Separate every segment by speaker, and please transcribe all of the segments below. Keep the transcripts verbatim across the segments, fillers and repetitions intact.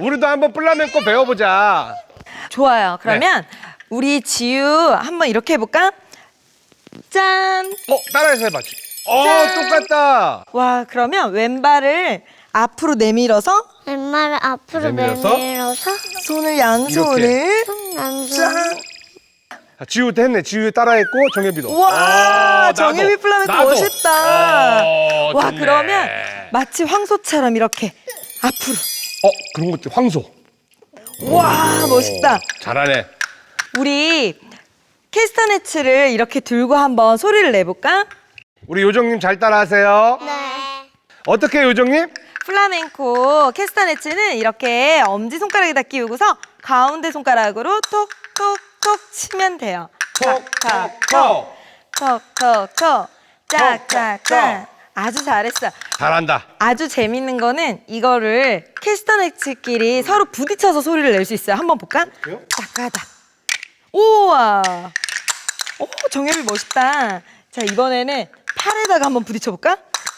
Speaker 1: 우리도 한번 플라멩코 배워보자.
Speaker 2: 좋아요. 그러면 우리 지유 한번 이렇게 해볼까? 짠!
Speaker 1: 어, 따라해서 해봐. 어,
Speaker 2: 짠.
Speaker 1: 똑같다.
Speaker 2: 와, 그러면 왼발을 앞으로 내밀어서
Speaker 3: 왼말을 앞으로
Speaker 1: 내밀어서?
Speaker 3: 내밀어서
Speaker 2: 손을 양손을
Speaker 3: 남손.
Speaker 2: 짠!
Speaker 1: 자, 지우도 했네. 지우 따라했고 정혜비도.
Speaker 2: 와,
Speaker 1: 아, 나도,
Speaker 2: 정혜비 플라멩코
Speaker 1: 나도.
Speaker 2: 멋있다.
Speaker 1: 어,
Speaker 2: 와,
Speaker 1: 좋네.
Speaker 2: 그러면 마치 황소처럼 이렇게 앞으로.
Speaker 1: 어, 그런 것들 황소.
Speaker 2: 와, 멋있다.
Speaker 1: 잘하네.
Speaker 2: 우리 캐스터네츠를 이렇게 들고 한번 소리를 내볼까?
Speaker 1: 우리 요정님 잘 따라하세요.
Speaker 3: 네.
Speaker 1: 어떻게 해요, 요정님?
Speaker 2: 플라멩코 캐스터네츠는 이렇게 엄지손가락에다 끼우고서 가운데 손가락으로 톡톡톡 치면 돼요. 톡톡톡 톡톡톡 짝짝짝. 아주 잘했어.
Speaker 1: 잘한다.
Speaker 2: 아주 재밌는 거는 이거를 캐스터네츠끼리 서로 부딪혀서 소리를 낼 수 있어요. 한번 볼까?
Speaker 1: 그래요?
Speaker 2: 짝가다. 우와. 오, 정엽이 멋있다. 자, 이번에는 팔에다가 한번 부딪혀볼까?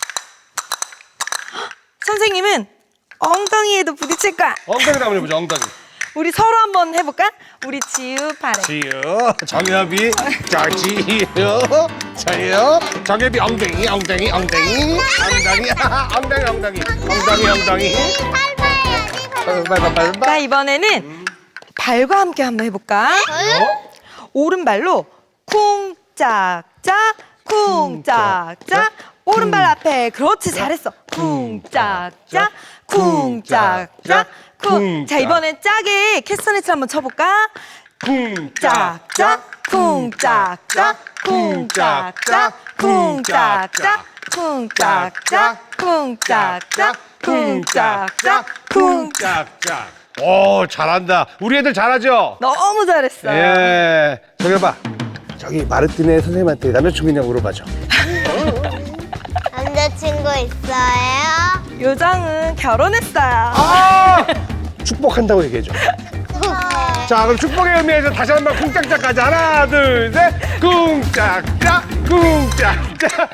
Speaker 2: 헉, 선생님은 엉덩이에도 부딪힐 거야.
Speaker 1: 엉덩이 한번 해보자, 엉덩이.
Speaker 2: 우리 서로 한번 해볼까? 우리 지우 팔에.
Speaker 1: 지유, 정엽이, 자, 지유, 저요, 정엽이 엉덩이, 엉덩이, 엉덩이, 엉덩이, 엉덩이, 엉덩이, 엉덩이, 엉덩이.
Speaker 3: 팔 봐야지.
Speaker 1: 빨리, 빨리, 빨리.
Speaker 2: 자, 이번에는 발과 함께 한번 해볼까?
Speaker 1: 어?
Speaker 2: 오른발로 쿵짝짝 쿵짝짝 오른발 앞에 그렇지 잘했어 쿵짝짝 쿵짝짝 쿵. 자, 이번엔 짜게 캐스터네츠 한번 쳐볼까? 짝짝 쿵짝짝 쿵짝짝 쿵짝짝 쿵짝짝 쿵짝짝 쿵짝짝 쿵.
Speaker 1: 짝짝. 오, 잘한다. 우리 애들 잘하죠?
Speaker 2: 너무 잘했어.
Speaker 1: 예. 정엽아, 저기 마르티네 선생님한테 남자친구냐고 물어봐줘.
Speaker 3: 남자친구 있어요?
Speaker 2: 요정은 결혼했어요.
Speaker 1: 아! 축복한다고 얘기해줘. 자, 그럼 축복의 의미에서 다시 한 번 쿵짝짝까지 하나, 둘, 셋. 쿵짝짝, 쿵짝짝.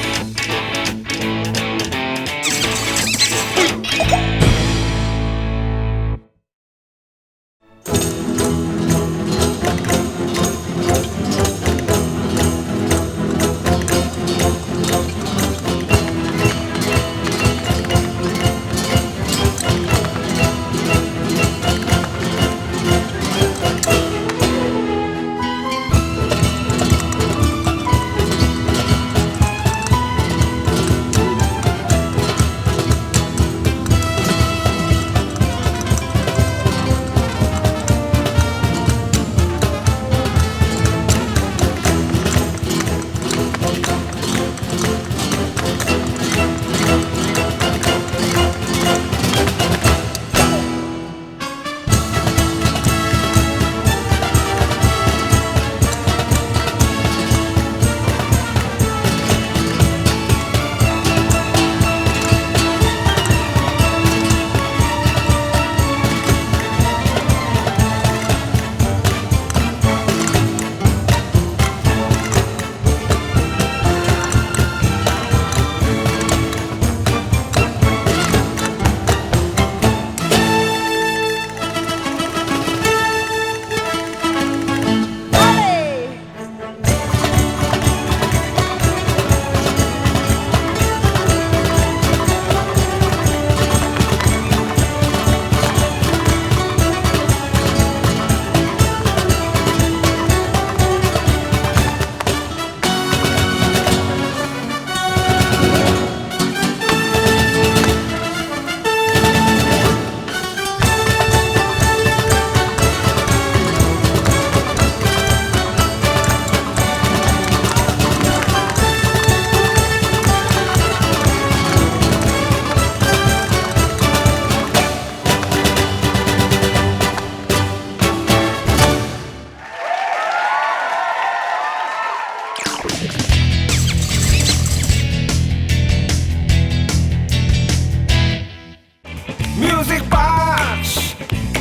Speaker 4: Music Box.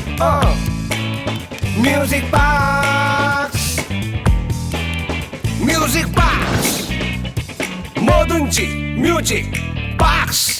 Speaker 4: 어. Music Box. Music Box. 뭐든지 뮤직 박스.